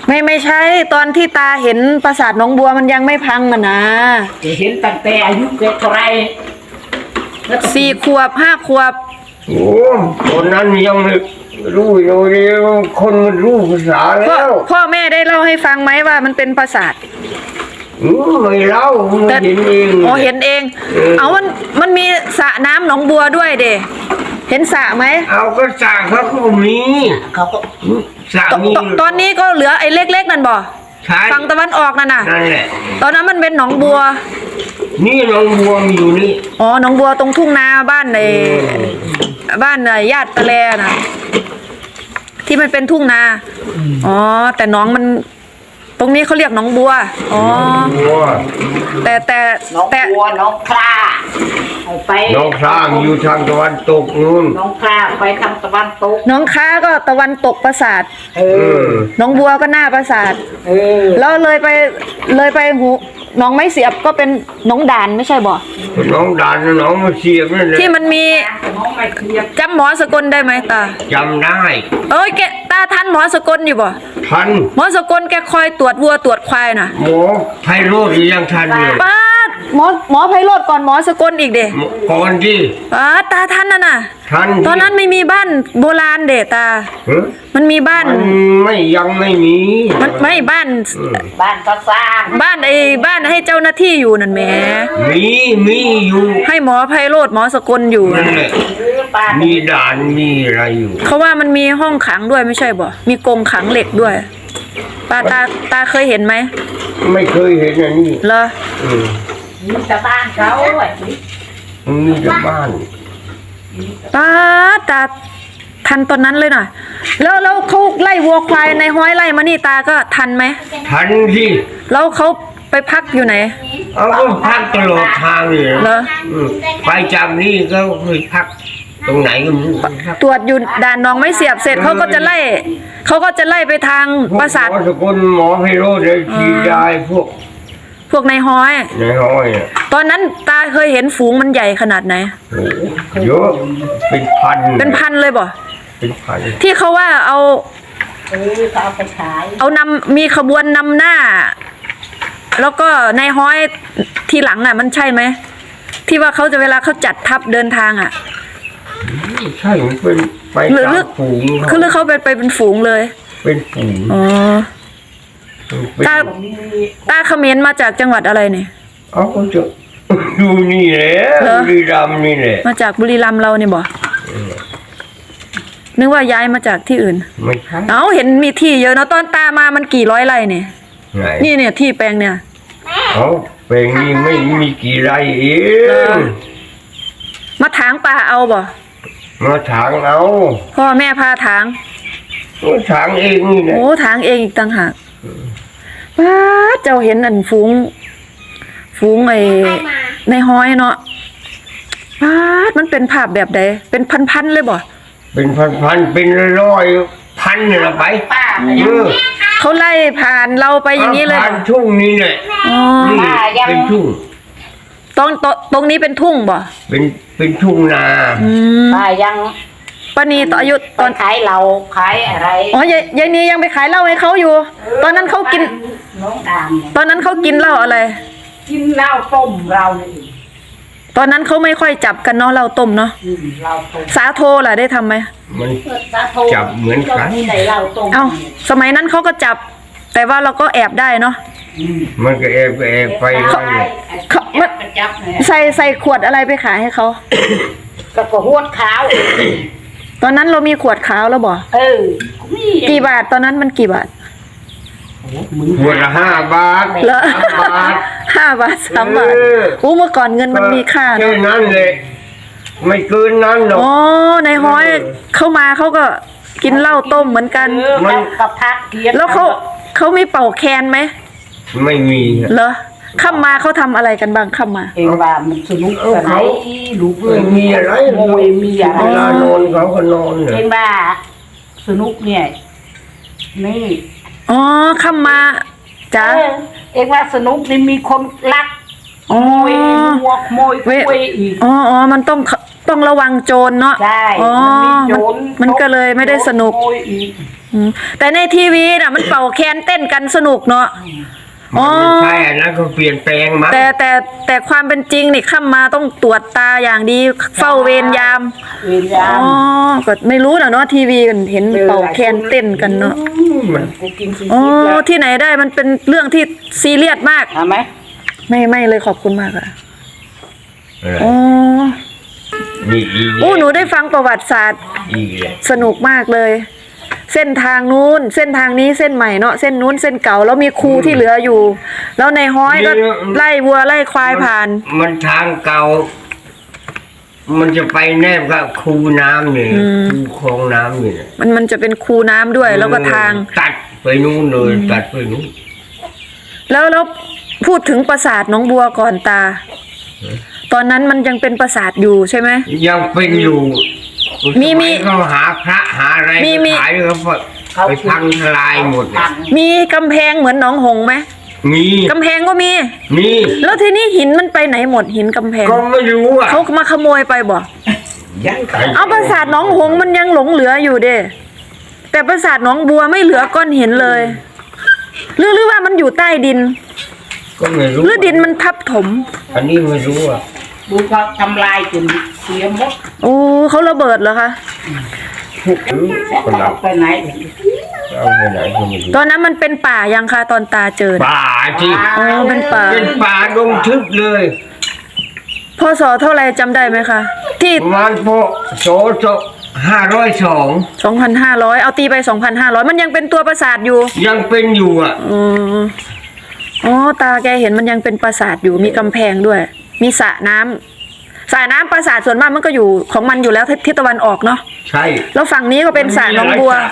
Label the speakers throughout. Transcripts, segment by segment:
Speaker 1: ไม่ใช่ตอนที่ตาเห็นปราสาทหนองบัวมันยังไม่พังอ่ะนะ
Speaker 2: เห็นตั้งแต่อายุเท่าไร
Speaker 1: 4 ขวบ 5 ขวบ
Speaker 3: โอ้คนนั้นยังไม่รู้อยู่ดีคนมันรู้ภาษาแล้ว
Speaker 1: พ่อแม่ได้เล่าให้ฟังไหมว่ามันเป็นปราสาท
Speaker 3: ไม่เล่าไม่เห็นเอง
Speaker 1: อ๋อเห็นเองเอามันมีสระน้ำหนองบัวด้วยเด้เห็นสระไหม
Speaker 3: เอาก็สระเขาก็มี
Speaker 2: เขาก็
Speaker 3: สระมี
Speaker 1: ตอนนี้ก็เหลือไอ้เล็กๆนั่นบ่ฝั่งตะวันออกนั่นน่ะ
Speaker 3: นั่นแหละ
Speaker 1: ตอนนั้นมันเป็นหนองบัว
Speaker 3: นี่หนองบัวมีอยู่นี่
Speaker 1: อ๋อหนองบัวตรงทุ่งนาบ้านญาติตะแลน่ะที่มันเป็นทุ่งนาอ๋อแต่หนองมันตรงนี้เขาเรียกหนองบัวอ๋อแต่
Speaker 2: หนองบัวหนองคลาไป
Speaker 3: หนองคลาอยู่ทางตะวันตกนู่น
Speaker 2: หนองคลาไปทางตะวันตก
Speaker 1: หนองคลาก็ตะวันตกปราสาทหนองบัวก็หน้าปราสาทแล้วเลยไปหูหนองไม้เสียบก็เป็นหนองด่านไม่ใช่บ่
Speaker 3: หนองด่านหนองไม้เสียบนั่นแหละ
Speaker 1: ที่มันมีจำหมอสกลได้ไหมตา
Speaker 3: จำได้
Speaker 1: แกตาทันหมอสกลอยู่บ่
Speaker 3: ทัน
Speaker 1: หมอสกลแกคอยตรวจวัวตรวจควายน่ะ
Speaker 3: หมอไพโรจน์ยังทันเลย
Speaker 1: ป้าหมอไพโรจน์ก่อนหมอสกลอีกเด้
Speaker 3: ก่อนที่
Speaker 1: ตาทันน่ะ
Speaker 3: ทัน
Speaker 1: ตอนนั้นไม่มีบ้านโบราณเด้ตามันมีบ้าน
Speaker 3: ยังไม่มี
Speaker 1: มันไม่บ้าน
Speaker 2: ก็สร้าง
Speaker 1: บ้านให้เจ้าหน้าที่อยู่นั่นแหม
Speaker 3: มีอยู่
Speaker 1: ให้หมอไพโรจน์หมอสกลอยู่
Speaker 3: นั่นแหละมีด่านมีอะไรอยู่
Speaker 1: เขาว่ามันมีห้องขังด้วยไม่ใช่บ่มีกรงขังเหล็กด้วยป้าตาเคยเห็นไหม
Speaker 3: ไม่เคยเห็นอันนี้
Speaker 1: เหรอ
Speaker 2: มีแต่บ้านเขา
Speaker 3: มีแต่บ้าน
Speaker 1: ตาทันตอนนั้นเลยน่ะแล้วเขาไล่วัวควายในห้อยไล่มานี่ตาก็ทันไหม
Speaker 3: ทันสิ
Speaker 1: แล้วเขาไปพักอยู่ไหน
Speaker 3: เอาก็พักตลอดทางเลย
Speaker 1: เหรอ
Speaker 3: ไปจากนี่ก็เคยพักตรงไหนก็ไม่รู้
Speaker 1: ตรวจอยู่ด่านหนองไม้เสียบเสร็จเขาก็จะไล่ไปทางปราสาท
Speaker 3: หมอสกลหมอไพโรจน์เลยฉีดยา
Speaker 1: พวกในห้อยตอนนั้นตาเคยเห็นฝูงมันใหญ่ขนาดไหน
Speaker 3: เยอะเป็นพัน
Speaker 1: เลยบ่
Speaker 3: เป็นพัน
Speaker 1: ที่เขาว่าเอา
Speaker 2: ไปขาย
Speaker 1: มีขบวนนำหน้าแล้วก็ในห้อยทีหลังน่ะมันใช่ไหมที่ว่าเขาจะเวลาเขาจัดทัพเดินทางอ่ะ
Speaker 3: ใช่เป็นไปตามฝูง
Speaker 1: คือเขาไปเป็นฝูงเลย
Speaker 3: เป็นฝูง
Speaker 1: อ๋อตาเขมรมาจากจังหวัดอะไรเนี่ย
Speaker 3: ก็จะดูนี่แหละบุรีรัมย์นี่แหละ
Speaker 1: มาจากบุรีรัมย์เราเนี่ยบ่นึกว่าย้ายมาจากที่อื่น
Speaker 3: ไม่ใช่
Speaker 1: เห็นมีที่เยอะเนาะตอนตามามันกี่ร้อยไร่เนี่ยนี่เนี่ยที่แปลงเนี่ย
Speaker 3: แปลงนี้ไม่มีกี่ไร่เอง
Speaker 1: มาถางป่าเอาบ่
Speaker 3: มาถางเอา
Speaker 1: พ่อแม่พาถาง
Speaker 3: ถางเองนี่แหละ
Speaker 1: ถางเองอีกต่างหากป้าเจ้าเห็นอันฝูงในห้อยเนาะป้ามันเป็นภาพแบบใดเป็นพันเลยบ่
Speaker 3: เป็นพันเป็นร้อยพันเนี่ยไป
Speaker 1: เขาไล่ผ่านเราไปอย่างนี้เลย
Speaker 3: ผ่านทุ่งนี้แหละนี่เป็นทุ่ง
Speaker 1: ตรงนี้เป็นทุ่งบ่
Speaker 3: เป็นทุ่งนา
Speaker 2: ยัง
Speaker 1: ป้านีต่ออายุ
Speaker 2: ตอนขายเราขายอะไร
Speaker 1: ยายนียังไปขายเหล้าให้เขาอยู่ตอนนั้นเขากินตอนนั้นเขากินเหล้าอะไร
Speaker 2: กินเหล้าต้มเรา
Speaker 1: ตอนนั้นเขาไม่ค่อยจับกันเนาะเหล้าต้มเนาะสาโทล่ะได้ทำไหม
Speaker 3: มันจับเหมือนกัน
Speaker 1: สมัยนั้นเขาก็จับแต่ว่าเราก็แอบได้เนาะ
Speaker 3: มันก็แอบไป
Speaker 1: ใส่ขวดอะไรไปขายให้เขา
Speaker 2: ก็หวดขาว
Speaker 1: ตอนนั้นเรามีขวดขาวแล้วบ่กี่บาทตอนนั้นมันกี่บาท
Speaker 3: ขวดละ5 บาท
Speaker 1: เหรอ5 บาท3 บาทเมื่อก่อนเงินมันมีค่า
Speaker 3: แค่นั้นเลยไม่เกินนั้นหรอก
Speaker 1: ในห้อยเข้ามาเขาก็กินเหล้าต้มเหมือนกัน
Speaker 2: กับพักเกียร
Speaker 1: แล้วเขามีเป่าแคนไหม
Speaker 3: ไม่มี
Speaker 1: เหรอข้ามมาเขาทำอะไรกันบ้างข้ามมา
Speaker 2: เองว่ามันสนุก
Speaker 3: เขาลูกไม่มีอะไร
Speaker 2: โมยมีอะไร
Speaker 3: เวลานอนเขาก็นอน
Speaker 2: เองว่าสนุกเนี่ยนี่
Speaker 1: ข้ามมาจ้า
Speaker 2: เองว่าสนุกนี่มีคนรักโมยวัวโมยคุยอีก
Speaker 1: มันต้องระวังโจรเนาะ
Speaker 2: ใช่
Speaker 1: อ๋อ
Speaker 2: โจร
Speaker 1: มันก็เลยไม่ได้สนุก
Speaker 2: โจรขโมยอีก
Speaker 1: แต่ในทีวีน่ะมันเป่าแคนเต้นกันสนุกเนาะ อ๋อ
Speaker 3: มันไม่ใช่อันนั้นก็เปลี่ยนแปลงมา
Speaker 1: แต่ความเป็นจริงนี่ข้ามมาต้องตรวจตาอย่างดีเฝ้าเวรยาม
Speaker 2: เวรยา
Speaker 1: อ๋อ
Speaker 2: ม
Speaker 1: ก็ไม่รู้นะเนาะทีวีเห็นเป่าแคนเต้นกันเนาะ
Speaker 3: มัน
Speaker 2: กูกินซี
Speaker 1: อ๋อ
Speaker 2: ฟู้ดแล้ว
Speaker 1: ที่ไหนได้มันเป็นเรื่องที่ซีเรียสมาก
Speaker 2: เอาไหม
Speaker 1: ไม่เลยขอบคุณมากอะ
Speaker 3: อะไร
Speaker 1: อ๋อ
Speaker 3: นี่อีก
Speaker 1: โอ้หนูได้ฟังประวัติศาสตร์
Speaker 3: อีกเลย
Speaker 1: สนุกมากเลย เส้นทางนู้นเส้นทางนี้เส้นใหม่เนาะเส้นนู้นเส้นเก่าแล้วมีครูที่เหลืออยู่ แล้วในห้อยก็ไล่วัวไล่ควายผ่าน
Speaker 3: มันทางเก่า มันจะไปแนบกับคูน้ำนี่คูคลองน้ำนี่นะ
Speaker 1: มันจะเป็นคูน้ำด้วย แล้วก็ทาง
Speaker 3: ตัดไปนู่นเลยตัดไปนู่น
Speaker 1: แล้วพูดถึงปราสาทหนองบัวก่อนตา ตอนนั้นมันยังเป็นปราสาทอยู่ใช่ไหม
Speaker 3: ยังเป็นอยู่
Speaker 1: มี
Speaker 3: สยเขาหาพระหาอะไร
Speaker 1: มี
Speaker 3: ขายเขาไปพังทลายหมดเลย
Speaker 1: มีกำแพงเหมือนหนองหงส์ไหม
Speaker 3: มี
Speaker 1: กำแพงก็มี
Speaker 3: มี
Speaker 1: แล้วทีนี้หินมันไปไหนหมดหินกำแพง
Speaker 3: ก็ไม่รู้อ่ะ
Speaker 1: เขามาขโมยไปบ่
Speaker 2: ยัง
Speaker 1: เอาปราสาทหนองหงส์มันยังหลงเหลืออยู่เด้แต่ปราสาทหนองบัวไม่เหลือก้อนหินเลยหรือว่ามันอยู่ใต้ดิน
Speaker 3: ก็ไม่รู้
Speaker 1: หรือดินมันทับถม
Speaker 3: อันนี้ไม่รู้อ่ะ
Speaker 2: ดูเขาทำลายจนเสียหมด
Speaker 1: โอ้เขาระเบิดเหรอคะ
Speaker 3: คน
Speaker 2: เอา
Speaker 3: เรา
Speaker 2: ไปไหน
Speaker 3: เอาไปไหนก็ไม่รู้
Speaker 1: ตอนนั้นมันเป็นป่ายังคะตอนตาเจอ
Speaker 3: ป่าที่
Speaker 1: อ๋อเป็นป่า
Speaker 3: เป็นป่าดงทึบเลย
Speaker 1: พศเท่าไรจำได้ไหมคะ ที่
Speaker 3: ประมาณพศ502
Speaker 1: 2,500 เอาตีไป 2,500 มันยังเป็นตัวปราสาทอยู่
Speaker 3: ยังเป็นอยู่อ่ะ
Speaker 1: อ๋อตาแกเห็นมันยังเป็นปราสาทอยู่มีกำแพงด้วย มีสระน้ำสระน้ำปราสาทส่วนมากมันก็อยู่ของมันอยู่แล้วทิศตะวันออกเนาะ
Speaker 3: ใช่
Speaker 1: แล้วฝั่งนี้ก็เป็นสระหนองบัว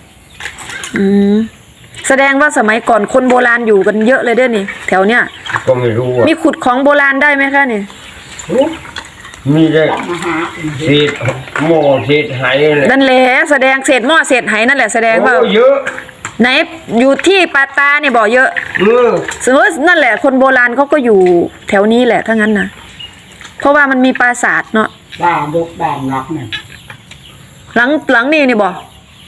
Speaker 1: แสดงว่าสมัยก่อนคนโบราณอยู่กันเยอะเลยเด้อนี่ แถวเนี้ย
Speaker 3: ก็ไม่รู้อ่ะ
Speaker 1: มีขุดของโบราณได้ไหมคะนี่
Speaker 3: มีได้
Speaker 2: มาหา
Speaker 3: เศษหม้อเศษไหอะไร
Speaker 1: นั่นแหละแสดงเศษหม้อเศษไหนั่นแหละแสดงว่า
Speaker 3: โอ้เยอะ
Speaker 1: ไหนอยู่ที่ปาตาเนี่ยบ่อเยอะ สมมตินั่นแหละคนโบราณเขาก็อยู่แถวนี้แหละถ้างั้นนะเพราะว่ามันมีปราสาทเนาะ
Speaker 2: บ้านยกบ้านล็อกเนี่ย
Speaker 1: หลังนี่นี่บ่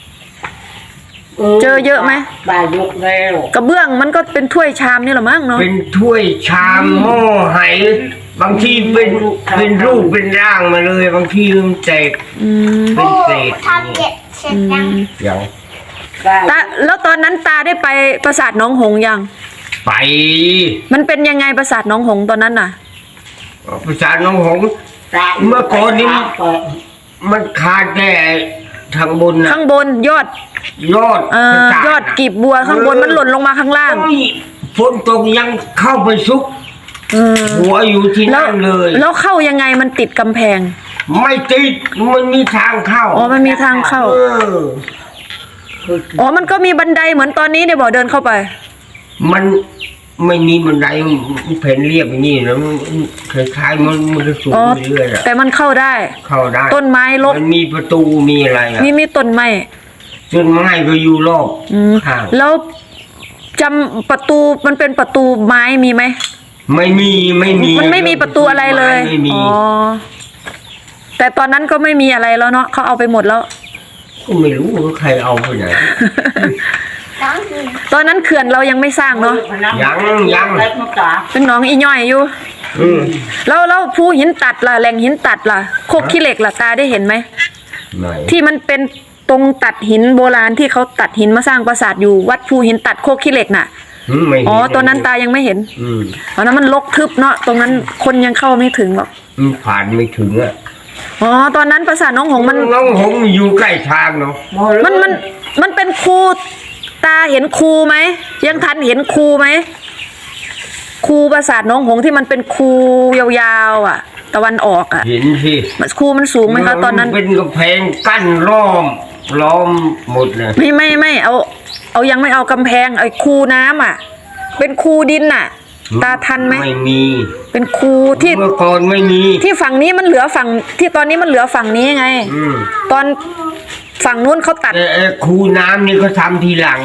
Speaker 1: เจอเยอะไหม
Speaker 2: บ้านยกแล้ว
Speaker 1: กระเบื้องมันก็เป็นถ้วยชามนี่หรอมั้งเนาะ
Speaker 3: เป็นถ้วยชามหม้อไหบางทีเป็นรูปเป็นร่างมาเลย บางทีมันแตกเป็นเศษ
Speaker 4: ทำเก็บเสร็จยัง
Speaker 3: อย่าง
Speaker 2: บ้าน
Speaker 1: ตาแล้วตอนนั้นตาได้ไปปราสาทหนองหงส์ยัง
Speaker 3: ไป
Speaker 1: มันเป็นยังไงปราสาทหนองหงส์ตอนนั้นน่ะ
Speaker 3: ประสาทน้องหงส์ เมื่อก่อนนี้ มันขาดแต่ทางบนนะ
Speaker 1: ข้างบนยอด
Speaker 3: ยอดประสาท
Speaker 1: ยอดกีบบัวข้างบนมันหล่นลงมาข้างล่าง
Speaker 3: โอ้ยฝนตกยังเข้าไปซุก
Speaker 1: เออ
Speaker 3: หัวอยู่ที่
Speaker 1: แล้ว
Speaker 3: นั่นเลย
Speaker 1: แล้วเข้ายังไงมันติดกำแพง
Speaker 3: ไม่ติดมันมีทางเข้า
Speaker 1: อ๋อมันมีทางเข้า
Speaker 3: เออ
Speaker 1: อ๋อมันก็มีบันไดเหมือนตอนนี้เนี่ยบ่เดินเข้าไป
Speaker 3: มันไม่มีบันไดมันแผ่นเรียบอย่างนี้นะมันคล้ายๆมันจะสูง
Speaker 1: อ๋อ
Speaker 3: เรื่อยๆอะ
Speaker 1: แต่มันเข้าได้
Speaker 3: เข้าได้
Speaker 1: ต้นไม้รก
Speaker 3: มันมีประตูมีอะไรอะ
Speaker 1: มีต้นไม้
Speaker 3: ต้นไม้ก็อยู่รอบข้าง
Speaker 1: แล้วจำประตูมันเป็นประตูไม้มีไหม
Speaker 3: ไม่มีไม่มี
Speaker 1: มันไม่มีประตูอะไรเลย
Speaker 3: ไม่มี
Speaker 1: อ๋อแต่ตอนนั้นก็ไม่มีอะไรแล้วเนาะเขาเอาไปหมดแล้ว
Speaker 3: ก็ไม่รู้ว่าใครเอาไปไหน
Speaker 4: น้องกิน
Speaker 1: ตอนนั้นเขื่อนเรายังไม่สร้างเนาะ
Speaker 3: ยัง
Speaker 2: เล็กน้องจ๋า
Speaker 1: เป็นหนองอีย่อยอยู่
Speaker 3: อืม
Speaker 1: แล้วภูหินตัดล่ะแหล่งหินตัดล่ะโคกขี้เหล็กล่ะตาได้เห็นไหม
Speaker 3: ไหน
Speaker 1: ที่มันเป็นตรงตัดหินโบราณที่เขาตัดหินมาสร้างปราสาทอยู่วัดภูหินตัดโคกขี้เหล็กน่ะ
Speaker 3: ไม่เห็น
Speaker 1: อ๋อตอนนั้นตายังไม่เห็น
Speaker 3: อืม
Speaker 1: ตอนนั้นมันรกทึบเนาะตรงนั้นคนยังเข้าไม่ถึงหรอก
Speaker 3: ผ่านไม่ถึงอ่ะ
Speaker 1: อ๋อตอนนั้นปราสาทน้องหงส์มัน
Speaker 3: น้องหงส์อยู่ใกล้ทางเนาะ
Speaker 1: มันเป็นคูตาเห็นคูไหมยังทันเห็นคูไหมคูปราสาทน้องหงส์ที่มันเป็นคูยาวๆอ่ะ ตะวันออกอ่ะ
Speaker 3: เห็นสิ
Speaker 1: คูมันสูงไหมคะตอนนั้น
Speaker 3: เป็นกำแพงกั้นล้อมหมดเลย
Speaker 1: ไม่เอายังไม่เอากำแพงไอ้คูน้ำอ่ะ เป็นคูดินน่ะ ตาทันไหม
Speaker 3: ไม่มี
Speaker 1: เป็นคูที่
Speaker 3: เมื่อก่อนไม่มี
Speaker 1: ที่ฝั่งนี้มันเหลือฝั่งที่ตอนนี้มันเหลือฝั่งนี้ไง
Speaker 3: อืม
Speaker 1: ตอนฝั่งนู้นเขาตัด
Speaker 3: แต่คูน้ำนี่เขาทำทีหลัง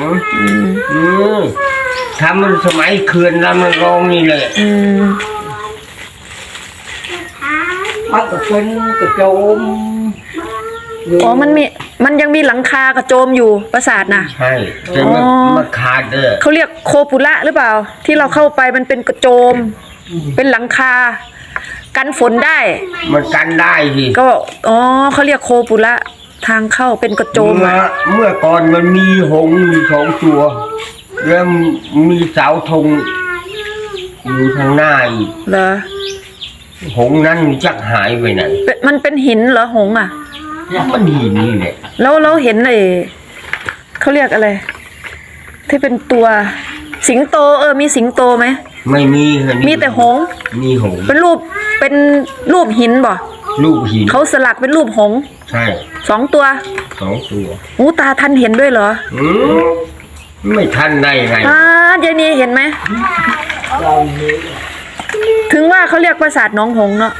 Speaker 3: ทำมันสมัยเขื่อนลำนางรองนี่แหละ
Speaker 2: มมันก็เป็นกระโจม
Speaker 1: อ๋อมันยังมีหลังคากระโจมอยู่ปราสาทน่ะ
Speaker 3: ใช่แต่มัน
Speaker 1: อ๋อ
Speaker 3: มันขาดเด้อ
Speaker 1: เขาเรียกโคปุระหรือเปล่า ที่เราเข้าไปมันเป็นกระโจม เป็นหลังคา กันฝนได้
Speaker 3: มันกันได้สิ
Speaker 1: ก็อ๋อเขาเรียกโคปุระทางเข้าเป็นกระโจม
Speaker 3: เมื่อก่อนมันมีหงส์อยู่2 ตัวแล้วมีเสาธงอยู่ทางหน้าอีก
Speaker 1: เหรอ
Speaker 3: หงส์นั้นจักหายไปไหน
Speaker 1: มันเป็นหินเหรอหงส์อ่ะ
Speaker 3: มันหินนี่แหละ
Speaker 1: แล้วเราเห็นเขาเรียกอะไร ที่เป็นตัวสิงโตมีสิงโตไหม
Speaker 3: ไม่มีเหรอนี่
Speaker 1: มีแต่หงส์
Speaker 3: มีหงส์
Speaker 1: เป็นรูปหินบ่
Speaker 3: ลูกหิน
Speaker 1: เขาสลักเป็นรูปหงส์
Speaker 3: ใช่
Speaker 1: 2 ตัว
Speaker 3: 2 ตัว
Speaker 1: อู้ตาท่านเห็นด้วยเหรอ
Speaker 3: อืมไม่ทันได้ไง
Speaker 1: ยายนีเห็นไหม ถึงว่าเขาเรียกปราสาทหน้องหงส์เนาะ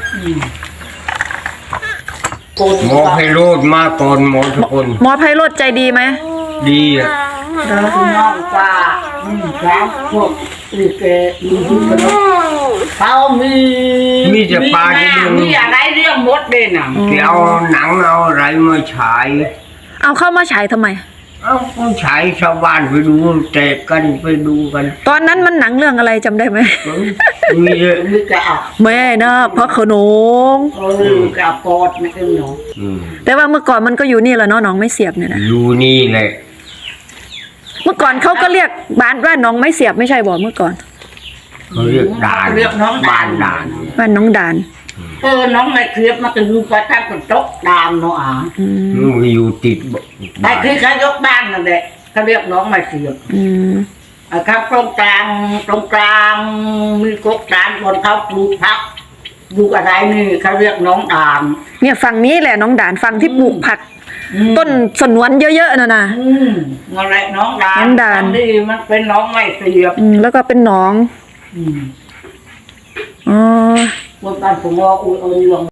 Speaker 3: หมอไพโรธมาก่อนหมอทุกคน
Speaker 1: หมอไพโรจน์ใจดีไหม
Speaker 3: ดีอ่ะ
Speaker 2: แล้วน้องป้าครับพวกลิเกมีทุกคนเขามี
Speaker 3: มีแต่ปลาที่เรื่อง
Speaker 2: มีอะไรเรื่องมดเด่นอ่ะ
Speaker 3: ที่เอาหนังเอาอะไรมาฉาย
Speaker 1: เอาเข้ามาฉายทำไม
Speaker 3: เอาผู้ชายชาวบ้านไปดูแตกกันไปดูกัน
Speaker 1: ตอนนั้นมันหนังเรื่องอะไรจำได้ไหม
Speaker 3: มีเยอะ
Speaker 2: มีกระอัก
Speaker 1: แม่นาคพระโขนง
Speaker 2: กระปอดไม่เป็นหนู
Speaker 3: อืม
Speaker 1: แต่ว่าเมื่อก่อนมันก็อยู่นี่แหละเนาะหนองไม่เสียบเนี่ยนะ
Speaker 3: อยู่นี่แหละ
Speaker 1: เมื่อก่อนเขาก็เรียกบ้านหนองไม่เสียบไม่ใช่บ่เมื่อก่อน
Speaker 3: เขาเรียกด่าน
Speaker 2: เรียกน้อง
Speaker 3: บ้านด่าน
Speaker 1: บ้านน้องดาน
Speaker 2: น้องไม่เคลียบมาถึงประทับกับตกดามเนาะอ่ะ
Speaker 1: อืม
Speaker 3: มันอยู่ติด
Speaker 2: ไอ้คือเขายกบ้านนั่นแหละเขาเรียกน้องไม่เคลียบ
Speaker 1: อืม
Speaker 2: ครับตรงกลางมีกกดานบนเขาปลูกพักปลูกอะไรนี่เขาเรียกน้องดาม
Speaker 1: เนี่ยฝั่งนี้แหละน้องดานฝั่งที่ปลูกผัก ต้นสนวนเยอะๆน่ะนะ
Speaker 2: นั่นแหละน้องดาม
Speaker 1: น้องดาม
Speaker 2: อันี่มันเป็นน้องไม่เคลียบ
Speaker 1: แล้วก็เป็นหนอง อ๋อ
Speaker 2: บนบ้านผมว่าอุ้ยเอาเรื่อง